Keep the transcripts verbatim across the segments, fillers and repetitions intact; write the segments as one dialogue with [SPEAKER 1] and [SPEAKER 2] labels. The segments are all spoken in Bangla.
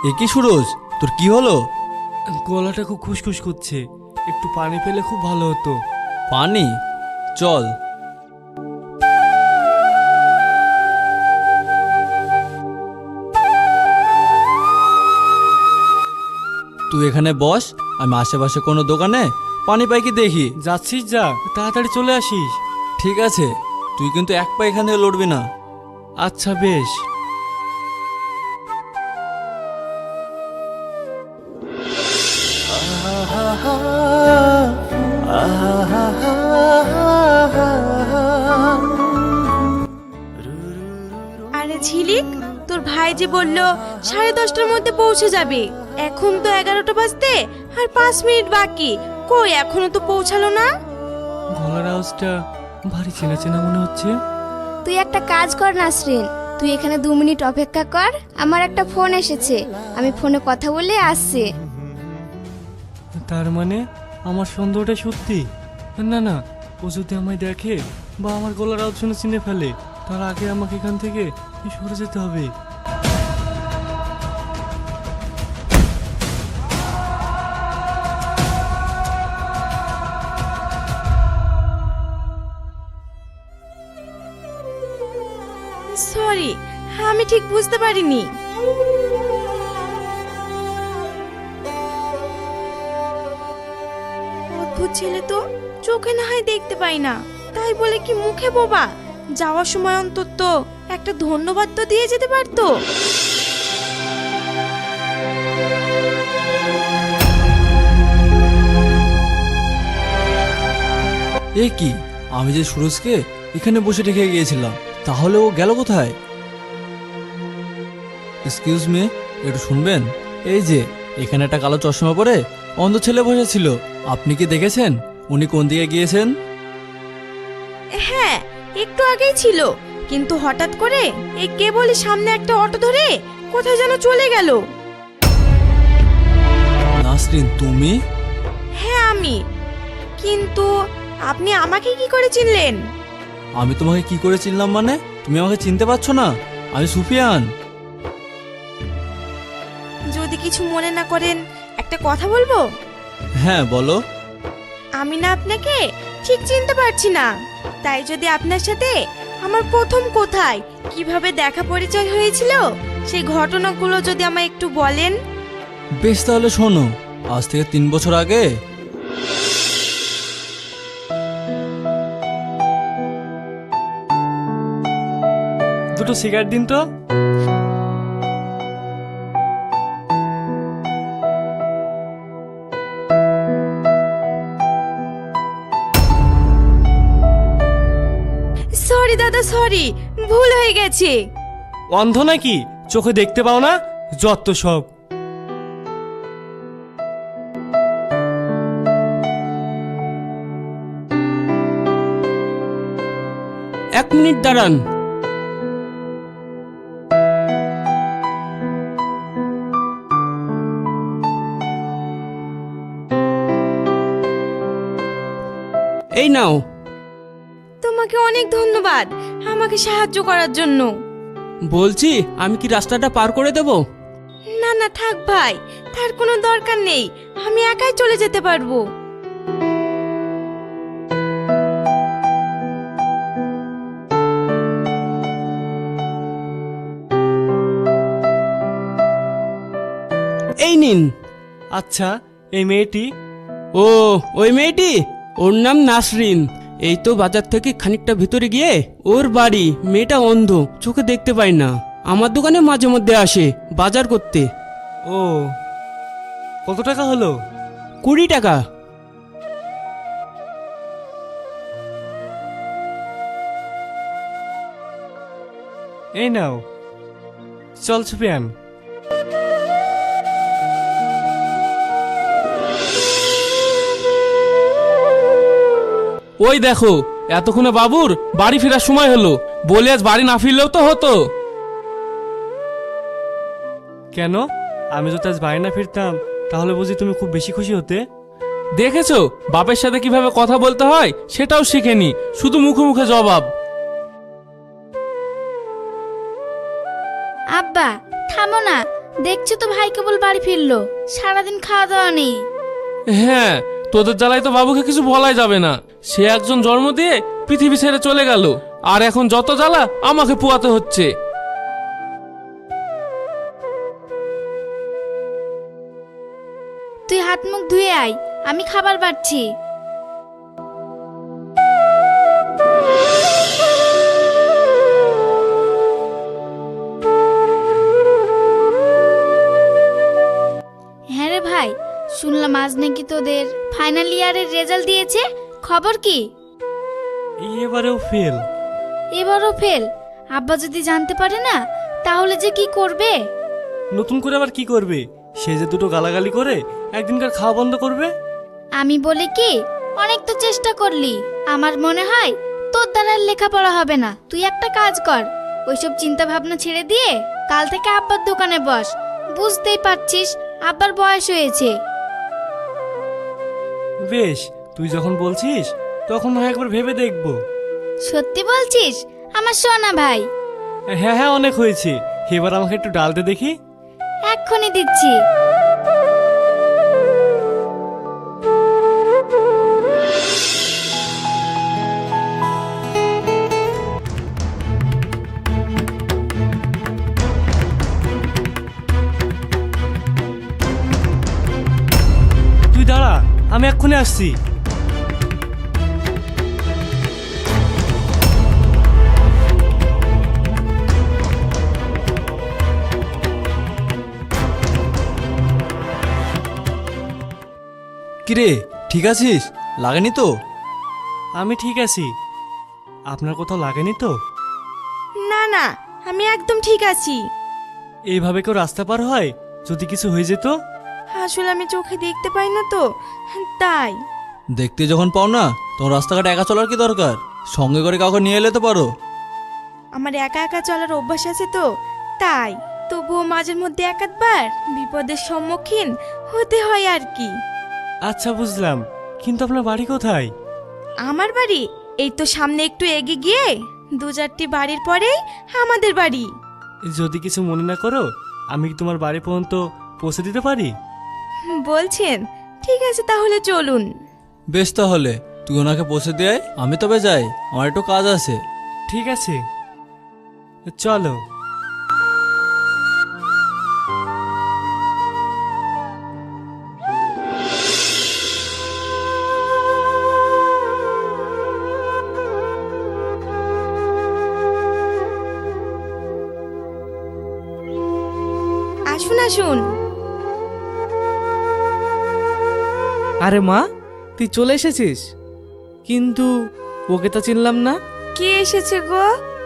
[SPEAKER 1] এ কি সুরজ, তোর কি হলো?
[SPEAKER 2] গলাটা খুব খুশখুশ করছে, একটু পানি পেলে খুব ভালো হতো।
[SPEAKER 1] পানি? চল। তুই এখানে বস, আমি আশেপাশে কোনো দোকানে পানি পাই কি দেখি।
[SPEAKER 2] যাচ্ছিস যা, তাড়াতাড়ি চলে আসিস।
[SPEAKER 1] ঠিক আছে, তুই কিন্তু এক পা এখান থেকে লড়বি না।
[SPEAKER 2] আচ্ছা বেশ।
[SPEAKER 3] আরে ঝিলিক, তোর ভাই যে বললো সাড়ে দশটার মধ্যে পৌঁছে যাবে, এখন তো এগারোটা বাজতে আর পাঁচ মিনিট বাকি। কই এখনো তো পৌঁছালো না?
[SPEAKER 2] গলার আওয়াজটা ভারী চেনা চেনা মনে হচ্ছে।
[SPEAKER 4] তুই একটা কাজ কর নাসরিন, তুই এখানে দু মিনিট অপেক্ষা কর, আমার একটা ফোন এসেছে, আমি ফোনে কথা বলে আসছি।
[SPEAKER 2] তার মানে আমার সন্দেহটা সত্যি? না না, ও যদি আমায় দেখে বা আমার গলার আওয়াজ শুনে চিনে ফেলে, তার আগে আমাকে এখান থেকে সরে যেতে হবে।
[SPEAKER 3] সরি, আমি ঠিক বুঝতে পারিনি। অদ্ভুত ছেলে তো, চোখে না হয় দেখতে পাই না, তাই বলে কি মুখে বোবা? যাওয়ার সময় অন্তত একটা ধন্যবাদ তো দিয়ে যেতে পারতো।
[SPEAKER 1] এ কি, আমি যে সুরজকে এখানে বসে রেখে গিয়েছিলাম, তাহলে ও গেল কোথায়? এক্সকিউজ মি, একটু শুনবেন? এই যে এখানে একটা কালো চশমা পরে অন্ধ ছেলে বসেছিল, আপনি কি দেখেছেন উনি কোন দিকে গিয়েছেন?
[SPEAKER 3] হ্যাঁ, একটু আগেই ছিল, কিন্তু হঠাৎ করে এই কেবলই সামনে একটা অটো ধরে কোথায় যেন চলে গেল।
[SPEAKER 1] নাসরিন, তুমি?
[SPEAKER 3] হ্যাঁ আমি। কিন্তু আপনি আমাকে কি করে চিনলেন?
[SPEAKER 1] আমি তোমাকে কি করে চিনলাম মানে? তুমি আমাকে চিনতে পারছো না? আমি সুফিয়ান।
[SPEAKER 3] যদি কিছু মনে না করেন একটা কথা বলবো।
[SPEAKER 1] হ্যাঁ বলো।
[SPEAKER 3] আমি না আপনাকে ঠিক চিনতে পারছি না, তাই যদি আপনার সাথে আমার প্রথম কোথায় কিভাবে দেখা পরিচয় হয়েছিল সেই ঘটনাগুলো যদি আমায় একটু বলেন।
[SPEAKER 1] বেশ, তাহলে শোনো। আজ থেকে তিন বছর আগে
[SPEAKER 2] দুটো সিগারেট দিন তো।
[SPEAKER 3] সরি দাদা, সরি, ভুল হয়ে গেছে।
[SPEAKER 2] অন্ধ নাকি, চোখে দেখতে পাও না? যত সব।
[SPEAKER 5] এক মিনিট দাঁড়ান। এই নাও।
[SPEAKER 3] তোমাকে অনেক ধন্যবাদ আমাকে সাহায্য করার জন্য।
[SPEAKER 5] বলছি, আমি কি রাস্তাটা পার করে দেব?
[SPEAKER 3] না না থাক ভাই, তার কোনো দরকার নেই, আমি একাই চলে যেতে পারবো।
[SPEAKER 5] এই নিন।
[SPEAKER 2] আচ্ছা, এই মেয়েটি?
[SPEAKER 5] ও, ওই মেয়েটি, ওর নাম নাসরিন। এই তো বাজার থেকে খানিকটা ভিতরে গিয়ে ওর বাড়ি। মেয়েটা অন্ধ, চোখে দেখতে পায় না, আমার দোকানে মাঝে মধ্যে আসে বাজার করতে।
[SPEAKER 2] ও, কত টাকা হলো?
[SPEAKER 5] কুড়ি টাকা।
[SPEAKER 2] এই নাও। চল সুফিয়ান।
[SPEAKER 5] ওই দেখো, এতক্ষণে বাবুর বাড়ি ফেরার সময় হলো, বলে আজ বাড়ি না ফিরলেও তো হতো।
[SPEAKER 2] কেন? আমি যদি আজ বাড়ি না ফিরতাম তাহলে বুঝি তুমি খুব বেশি খুশি হতে?
[SPEAKER 5] দেখেছো বাপের সাথে কিভাবে কথা বলতে হয় সেটাও শিখেনি, শুধু মুখে মুখে জবাব।
[SPEAKER 4] আব্বা থামো না, দেখছো তো ভাই কেবল বাড়ি ফিরলো, সারাদিন খাওয়া দাওয়া নেই।
[SPEAKER 2] হ্যাঁ, তোদের জ্বালায় তো বাবুকে কিছু বলাই যাবে না। সে একজন জন্ম দিয়ে পৃথিবী ছেড়ে চলে গেল, আর এখন যত জ্বালা আমাকে পোয়াতে হচ্ছে।
[SPEAKER 4] তুই হাত মুখ ধুয়ে আয়, আমি খাবার বাড়ছি। হ্যাঁ রে ভাই, শুনলাম আজ নাকি তোদের ফাইনাল ইয়ারের রেজাল্ট দিয়েছে, খবর কি?
[SPEAKER 2] এবারেও ফেল।
[SPEAKER 4] এবারও ফেল? আব্বা যদি জানতে পারে না তাহলে যে কি করবে?
[SPEAKER 2] নতুন করে আবার কি করবে? সে যে দুটো গালাগালি করে একদিনকার খাওয়া বন্ধ করবে।
[SPEAKER 4] আমি বলি কি, অনেক তো চেষ্টা করলি, আমার মনে হয় তোর দ্বারা আর লেখাপড়া হবে না। তুই একটা কাজ কর, ওইসব চিন্তা ভাবনা ছেড়ে দিয়ে কাল থেকে আব্বার দোকানে বস। বুঝতেই পারছিস আব্বার বয়স হয়েছে।
[SPEAKER 2] বেশ, তুই যখন বলছিস তখন হয় একবার ভেবে দেখবো।
[SPEAKER 4] সত্যি বলছিস আমার সোনা ভাই?
[SPEAKER 2] হ্যাঁ হ্যাঁ, অনেক হয়েছে, এবার আমাকে একটু ডাল দে দেখি।
[SPEAKER 4] এক্ষুনি দিচ্ছি।
[SPEAKER 2] তুই দাঁড়া, আমি এক্ষুনি আসছি।
[SPEAKER 1] কিরে, ঠিক আছিস? লাগেনি তো?
[SPEAKER 2] আমি ঠিক আছি, আপনার কোথাও লাগেনি তো?
[SPEAKER 3] না না, আমি একদম ঠিক আছি।
[SPEAKER 2] এইভাবে কেউ রাস্তা পার হয়? যদি কিছু হয়ে যেত?
[SPEAKER 3] আসলে আমি চোখে দেখতে পাই না তো, তাই।
[SPEAKER 1] দেখতে যখন পাও না তখন রাস্তাঘাটে একা চলার কি দরকার? সঙ্গে করে কাউকে নিয়ে এলে তো পারো।
[SPEAKER 3] আমার একা একা চলার অভ্যাস আছে তো, তাই। তবুও মাঝের মধ্যে এক আধবার বিপদের সম্মুখীন হতে হয় আর কি।
[SPEAKER 2] আচ্ছা বুঝলাম, কিন্তু আপনার বাড়ি কোথায়?
[SPEAKER 3] আমার বাড়ি এই তো সামনে একটু এগিয়ে গিয়ে দু চারটি বাড়ির পরেই আমাদের বাড়ি।
[SPEAKER 2] যদি কিছু মনে না করো, আমি কি তোমার বাড়ি পর্যন্ত পৌঁছে দিতে পারি?
[SPEAKER 3] বলছেন? ঠিক আছে তাহলে চলুন।
[SPEAKER 1] বেশ, তাহলে তুই ওনাকে পৌঁছে দিয়ে আয়, আমি তবে যাই, আমার একটু কাজ আছে।
[SPEAKER 2] ঠিক আছে, চলো।
[SPEAKER 3] আসুন আসুন।
[SPEAKER 6] আরে মা, তুই চলে এসেছিস? কিন্তু ওকে তো চিনলাম না।
[SPEAKER 3] কে এসেছে গো?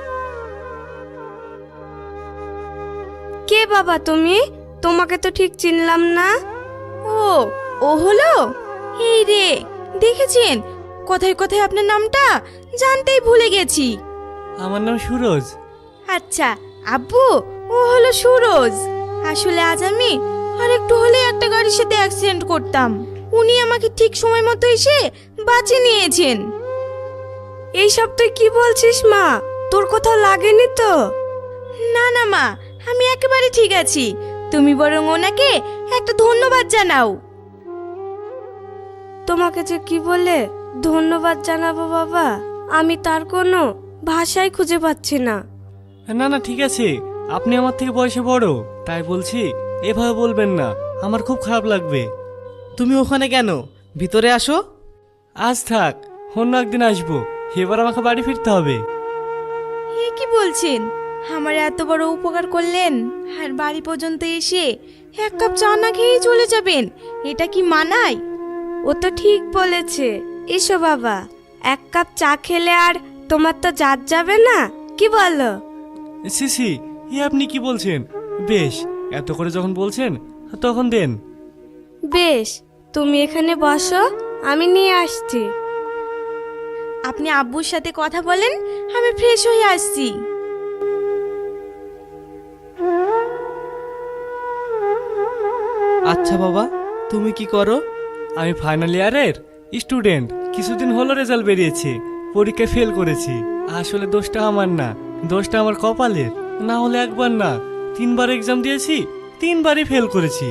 [SPEAKER 3] কে বাবা তুমি? তোমাকে তো ঠিক চিনলাম না। ও ও হলো এই রে, দেখেছেন কোথায় কোথায় আপনার নামটা জানতেই ভুলে গেছি।
[SPEAKER 2] আমার নাম সুরজ।
[SPEAKER 3] আচ্ছা আব্বু, ও হলো সুরজ। আসলে আজ আমি আর একটু হলে একটা গাড়ির সাথে অ্যাক্সিডেন্ট করতাম, উনি আমাকে ঠিক সময় মতো এসে বাঁচিয়ে নিয়েছেন। এইসব তুই কি বলছিস মা? তোর কোথাও লাগেনি তো? না না মা, আমি একেবারে ঠিক আছি। তুমি বরং ওনাকে একটা ধন্যবাদ জানাও। তোমাকে যে কি বলে ধন্যবাদ জানাবো বাবা, আমি তার কোনো ভাষাই খুঁজে পাচ্ছি না।
[SPEAKER 2] না না, ঠিক আছে, আপনি আমার থেকে বয়সে বড়, তাই বলছি এভাবে বলবেন না, আমার খুব খারাপ লাগবে।
[SPEAKER 6] তুমি ওখানে কেন? ভিতরে আসো।
[SPEAKER 2] আজ থাক, অন্য একদিন আসবো, এবার আমাকে বাড়ি ফিরতে হবে।
[SPEAKER 3] এ কি বলছেন? আমার এত বড় উপকার করলেন আর বাড়ি পর্যন্ত এসে এক কাপ চা না খেয়ে চলে যাবেন, এটা কি মানায়? ও তো ঠিক বলেছে। এসো বাবা, এক কাপ চা খেলে আর তোমার তো জাত যাবে না, কি বলো?
[SPEAKER 2] সিসি, এ আপনি কি বলছেন? বেশ, এত করে যখন বলছেন তখন দেন।
[SPEAKER 3] বেশ, তুমি এখানে বসো, আমি নিয়ে আসছি। আপনি আব্বুর সাথে কথা বলেন, আমি ফ্রেশ হয়ে আসছি।
[SPEAKER 6] আচ্ছা বাবা, তুমি কি করো?
[SPEAKER 2] আমি ফাইনাল ইয়ারের স্টুডেন্ট। কিছুদিন হলো রেজাল্ট বেরিয়েছে, পরীক্ষায় ফেল করেছি। আসলে দোষটা আমার না, দোষটা আমার কপালের। না হলে একবার না তিনবার এক্সাম দিয়েছি, তিনবারই ফেল করেছি।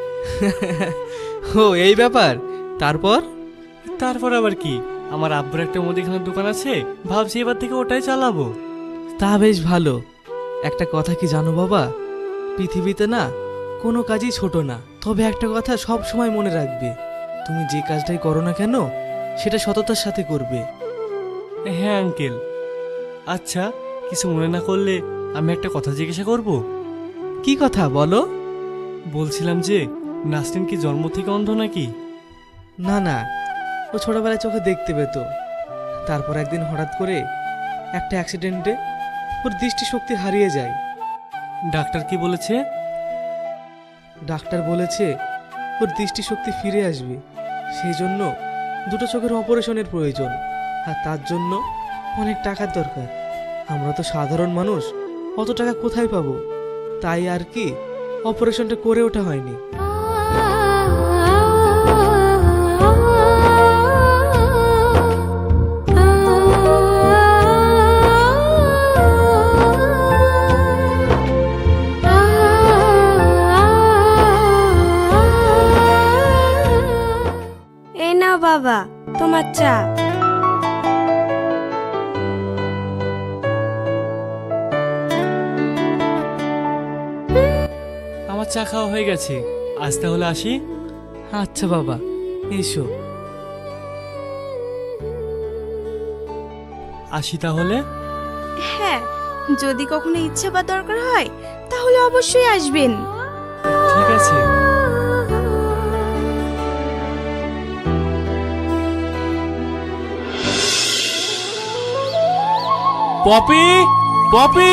[SPEAKER 6] ও এই ব্যাপার। তারপর?
[SPEAKER 2] তারপর আবার কি, আমার আব্বুর একটা মুদিখানার দোকান আছে, ভাবছি এবার থেকে ওটাই চালাবো।
[SPEAKER 6] তা বেশ ভালো। একটা কথা কি জানো বাবা, পৃথিবীতে না কোনো কাজই ছোট না। তবে একটা কথা সব সময় মনে রাখবে, তুমি যে কাজটাই করো না কেন সেটা সততার সাথে করবে।
[SPEAKER 2] হ্যাঁ আঙ্কেল। আচ্ছা, কিছু মনে না করলে আমি একটা কথা জিজ্ঞাসা করব?
[SPEAKER 6] কি কথা বলো?
[SPEAKER 2] বলছিলাম যে নাসরিন কি জন্ম থেকে অন্ধ নাকি?
[SPEAKER 6] না না, ও ছোটবেলায় চোখে দেখতে পেত, তারপর একদিন হঠাৎ করে একটা অ্যাক্সিডেন্টে ওর দৃষ্টিশক্তি হারিয়ে যায়।
[SPEAKER 2] ডাক্তার কি বলেছে?
[SPEAKER 6] ডাক্তার বলেছে ওর দৃষ্টিশক্তি ফিরে আসবে, সেই জন্য দুটো চোখের অপারেশনের প্রয়োজন, আর তার জন্য অনেক টাকার দরকার। আমরা তো সাধারণ মানুষ, অত টাকা কোথায় পাবো? তাই আর কি অপারেশনটা করে ওঠা হয়নি।
[SPEAKER 3] এই নাও বাবা তোমার চা।
[SPEAKER 2] আমার চা খাওয়া হয়ে গেছে, আজ তাহলে আসি।
[SPEAKER 6] আচ্ছা বাবা, এসো।
[SPEAKER 2] আসি তাহলে।
[SPEAKER 3] হ্যাঁ, যদি কখনো ইচ্ছা বা দরকার হয় তাহলে অবশ্যই আসবেন।
[SPEAKER 2] ঠিক আছে।
[SPEAKER 5] পপি, পপি!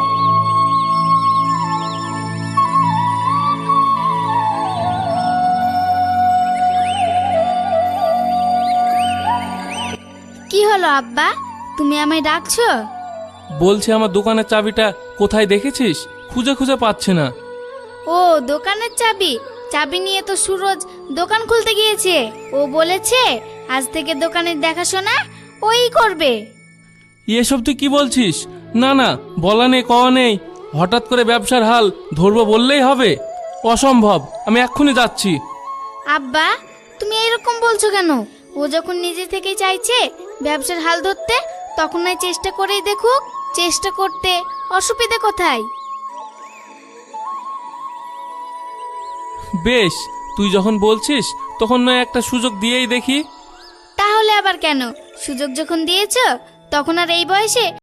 [SPEAKER 4] কি হলো আব্বা, তুমি আমায় ডাকছো?
[SPEAKER 7] বলছে আমার দোকানের চাবিটা কোথায় দেখেছিস? খুঁজে খুঁজে পাচ্ছে না।
[SPEAKER 4] ও দোকানের চাবি? চাবি নিয়ে তো সুরজ দোকান খুলতে গিয়েছে। ও বলেছে আজ থেকে দোকানের দেখাশোনা ওই করবে।
[SPEAKER 7] এসব তুই কি বলছিস? না না, বলা নেই কওয়া নেই, হঠাৎ করে ব্যবসার হাল ধরবো বললেই হবে? অসম্ভব, আমি এক্ষুনি যাচ্ছি।
[SPEAKER 4] আব্বা তুমি এরকম বলছো কেন? ও যখন নিজে থেকে চাইছে ব্যবসার হাল ধরতে, তখন নয় চেষ্টা করেই দেখুক। চেষ্টা করতে অসুবিধা কোথায়?
[SPEAKER 7] বেশ, তুই যখন বলছিস তখন নয় একটা সুযোগ দিয়েই দেখি।
[SPEAKER 4] তাহলে আবার কেন? সুযোগ যখন দিয়েছো তখন আর এই বয়সে